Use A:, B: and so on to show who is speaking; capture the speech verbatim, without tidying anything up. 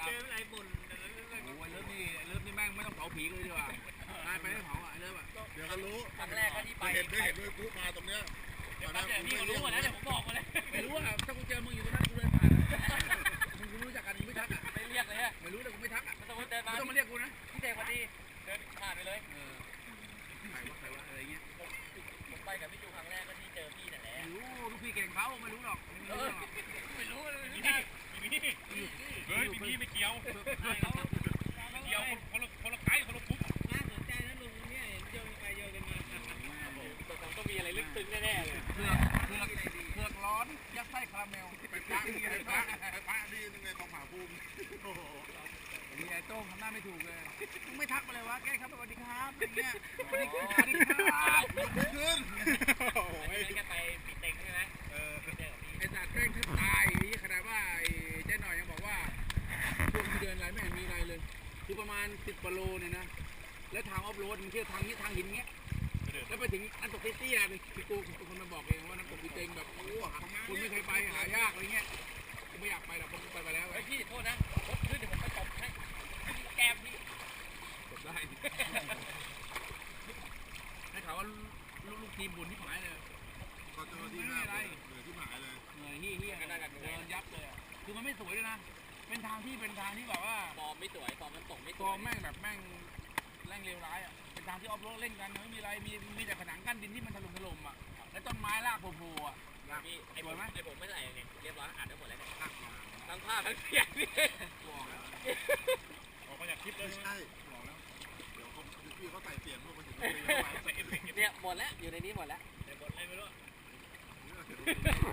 A: เจออะไรบ่นโอ้ยเลิฟนี่เลิฟนี่แม่งไม่ต้องเผาผีเลยดีกว่าตายไปไม่เผาอ่ะเลิฟอ่ะ
B: เดี๋ยวก็รู้
C: ครั้งแรกก็ที่ไป
B: เห็นด้วยเห็นด้วยกูมาตรงเนี้ย
C: เดี๋ยวแป๊บเดียวพี่ก็รู้หมดแล้วเดี๋ยวผมบอกมาเลย
A: ไม่รู้อ่ะถ้ากูเจอมึงอยู่ตรงนั้นกูเดินผ่านมึงกูรู้จักกันกูไม่ทักอ่ะ
C: ไม่เรียกเลยฮะ
A: ไม่รู้แต่กูไม่ทักอ่ะ
C: ไม่ต้องเดินมา
A: ไม่ต้องมาเรียกกูนะ
C: พี่เด็กพอดีเดินผ่านไปเลย
A: เออใครวะใครวะอะไรเงี้ย
C: ผมไปกับพี่จูครั้งแรกก็ที่เจอพี่นั่นแหละ
A: ไม่รู้ลูกพี่เก่งเขาไม่รู้หรอกไม่รู้หรอก
C: ไม่รู้เลย
D: พี่พี่เฮ้ยพี่พี่ไม่เกี่ยวเกี่ยวคนละคนละไก่คนละปุ๊บ
C: น่าสนใจนะลุงเนี่ยเห็นโยนไปโยนกันมาตัวผมต้องมีอะไรลึกซึ้งแน่ๆเลย
A: เผือกเผือกเผือกร้อนยัดไส้คาราเมล
B: ไปพระนี่ไงพระไปพระนี่ยังไงของผาภูมิโอ้โห
A: มีไอ้โต้งทำหน้าไม่ถูกเลยมึงไม่ทักมาเลยวะแกครับสวัสดีครับอะไรเงี้ยสวัสดีครับสวัสดีครับ
B: ขึ้น
C: ไอ้นี่กันไปปิดเต็งใช่ไหมเออเจอกับพี่
A: ไอ้สัตว์แม่งแทบตายนี่ขนาดว่าไอ้เจ๊หน่อยยังบอกว่าช่วงที่เดินอะไรไม่เห็นมีอะไรเลยคือประมาณสิบกิโลเนี่ยนะแล้วทางออฟโรดมันเที่ยวทางนี้ทางหินเงี้ยแล้วไปถึงน้ำตกเตี้ยๆเลยพี่กูเป็นคนมาบอกเองว่าน้ำตกพี่เต็งแบบโอ้คุณไม่เคยไปหายากอะไรเงี้ยกูไม่อยากไปหรอกผมไปไปแล้ว
C: เฮ้ยพี่โทษนะรถขึ้นเดี๋ยวผมไปตบให้แก้มพี่
A: จบได้ให้ข่าวว่าลูกทีมบุญที่หายเลย
B: ก็เจอที่หน้าเหลือที่หมายเลย
A: เหนื่อยเฮี้ยเฮี้ยเดินยับเลยคือมันไม่สวยเลยนะเป็นทางที่เป็นทางที่แบบว่า
C: ฟอร์มไม่สวยฟอร์มมันตกไม่ส
A: กอ
C: วย
A: งแม่งแบบแม่งแรงเลวร้ายอ่ะเป็นทางที่ออฟโรดเล่นกันไม่มีอะไรมีมีแต่ผนังกั้นดินที่มันถล่มถล่มอ่ะและต้นไม้รากโผล่ๆอ่ะ
C: พี่ไอ้ผมไอ้ผมไม่ใส่เนี่ยเรียบร้อยอ่านได้หมดแล้วเนี่ย
A: หัก
C: ทั้งภาพทั้งเสียงพี่
A: บอกแล้ว
D: ออกมาจากคลิปเลย
B: ไม่
D: ใช่ไหม
B: ใช่บอกแล้วเดี๋ยวเขาพี่เขาใส่เสียงพวกมันถึงจะ
D: ใส่เอฟเฟกต์
C: เนี่ยหมดแล้วอยู่ในนี้หมดแล้ว
D: แต่บทอะไรไม่รู้
B: เสียง